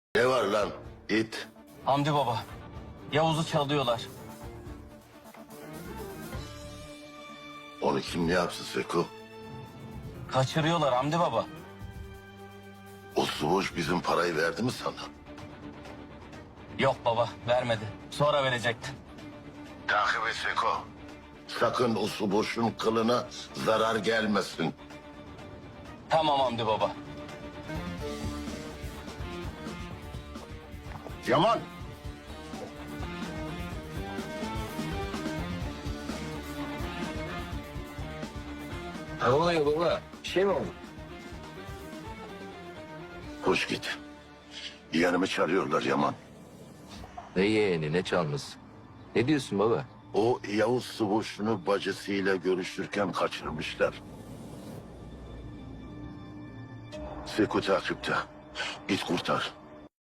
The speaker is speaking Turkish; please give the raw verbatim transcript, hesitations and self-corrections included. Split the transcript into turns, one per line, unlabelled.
Ne var lan it?
Hamdi baba, Yavuz'u çalıyorlar.
Onu kim ne yapsın Seko?
Kaçırıyorlar Hamdi baba.
O Suvuş bizim parayı verdi mi sana?
Yok baba, vermedi. Sonra verecekti.
Takip et Seko. Sakın o Suvuş'un kılına zarar gelmesin.
Tamam Hamdi baba.
Yaman.
Ne oluyor baba? Bir şey mi oldu?
Hoş git. Yeğenimi çağırıyorlar Yaman.
Ne yeğeni ne çalması? Ne diyorsun baba?
O Yavuz Suvuş'unu bacısıyla görüşürken kaçırmışlar. Seko takipte. Git kurtar.